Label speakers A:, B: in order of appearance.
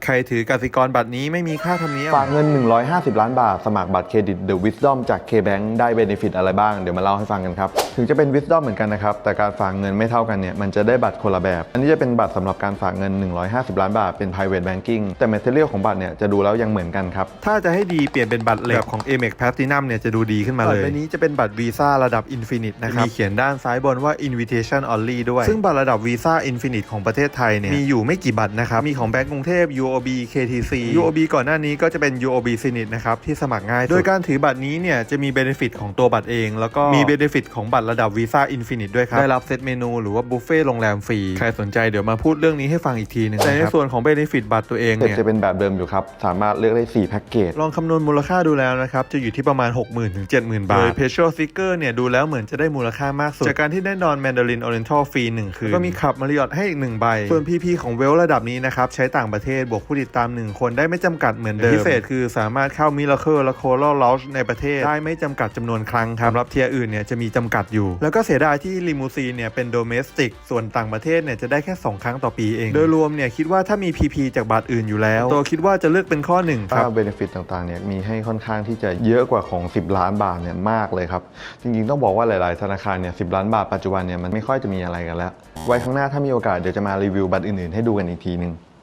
A: ใครถือกสิกรบัตรนี้ไม่มีค่าธรรมเนียม
B: ฝากเงิน150 ล้านบาทสมัครบัตรเครดิต The Wisdom จาก KBank ได้เบเนฟิตอะไรบ้างเดี๋ยวมาเล่าให้ฟังกันครับถึงจะเป็น Wisdom เหมือนกันนะครับแต่การฝากเงินไม่เท่ากันเนี่ยมันจะได้บัตรคนละแบบอันนี้จะเป็นบัตรสำหรับการฝากเงิน150 ล้านบาทเป็น private banking แต่ material ของบัตรเนี่ยจะดูแล้วยังเหมือนกันครับ
A: ถ้าจะให้ดีเปลี่ยนเป็นบัตรเหล็กของ Amex Platinum เนี่ยจะดูดีขึ้นมาเลยบัตรใบนี้จะเป็นบัตร Visa ระดับ Infinite นะครับมีเขียนด้านซ้ายบนว่า Invitation Only ด้วยซึ่งบัตรระดับ Visa Infinite ของประเทศไทยเนี่ยมีอยู่ไม่กี่บัตรนะครับมีของแบงก์กรุงเทพ UOB KTC UOB ก่อนหน้านี้ก็จะเป็น UOB Zenith นะครับที่สมัครง่ายโดยการถือบัตรนี้เนี่ยจะมี benefit ของตัวบัตรเองแล้วก็มี benefit ของบัตรระดับ Visa Infinite ด้วยครับได้รับเซตเมนูหรือว่าบุฟเฟ่ต์โรงแรมฟรีใครสนใจเดี๋ยวมาพูดเรื่องนี้ให้ฟังอีกทีนึงแต่ในส่วนของ benefit บัตรตัวเองเนี่ย
B: จะเป็นแบบเดิมอยู่ครับสามารถเลือกได้4แพ็กเกจ
A: ลองคำนวณมูลค่าดูแล้วนะครับจะอยู่ที่ประมาณ 60,000 ถึง 70,000 บาทโดย Petrol Sticker เนี่ยดูแล้วเหมือนจะได้มูลค่ามากสุดจากการที่ได้นอน Mandarin Oriental ฟรี1คืนก็มีขับ Marriott ให้อีก1ใบส่วน PP ของ Well ระดับนี้นะครับใช้ต่างประเทศบวกผู้ติดตาม1คนได้ไม่จำกัดเหมือนเดิมพิเศษคือสามารถเข้า Miracle และ Coral Lounge ในประเทศได้ไม่จำกัดจำนวนครั้งครับสำหรับเทียร์อื่นเนี่ยจะมีจำกัดอยู่แล้วก็เสียดายที่ลิมูซีนเนี่ยเป็น Domestic ส่วนต่างประเทศเนี่ยจะได้แค่2ครั้งต่อปีเองโดยรวมเนี่ยคิดว่าถ้ามี PP จากบัตรอื่นอยู่แล้วตัวคิดว่าจะเลือกเป็นข้อ1ครับ
B: เบเนฟิตต่างๆเนี่ยมีให้ค่อนข้างที่จะเยอะกว่าของ10 ล้านบาทเนี่ยมากเลยครับจริงๆต้องบอกว่าหลายๆธนาคารเนี่ย10 ล้านบาทปัจจุบันเนี่ยมันไม่ค่อยจะมีอะไรกันแล้วไว้ข้างหน้าถ้ามีโอกาสเดี๋ยวจะมารีวิวบัตรอื่นๆให้ดูกันอีกทีนึง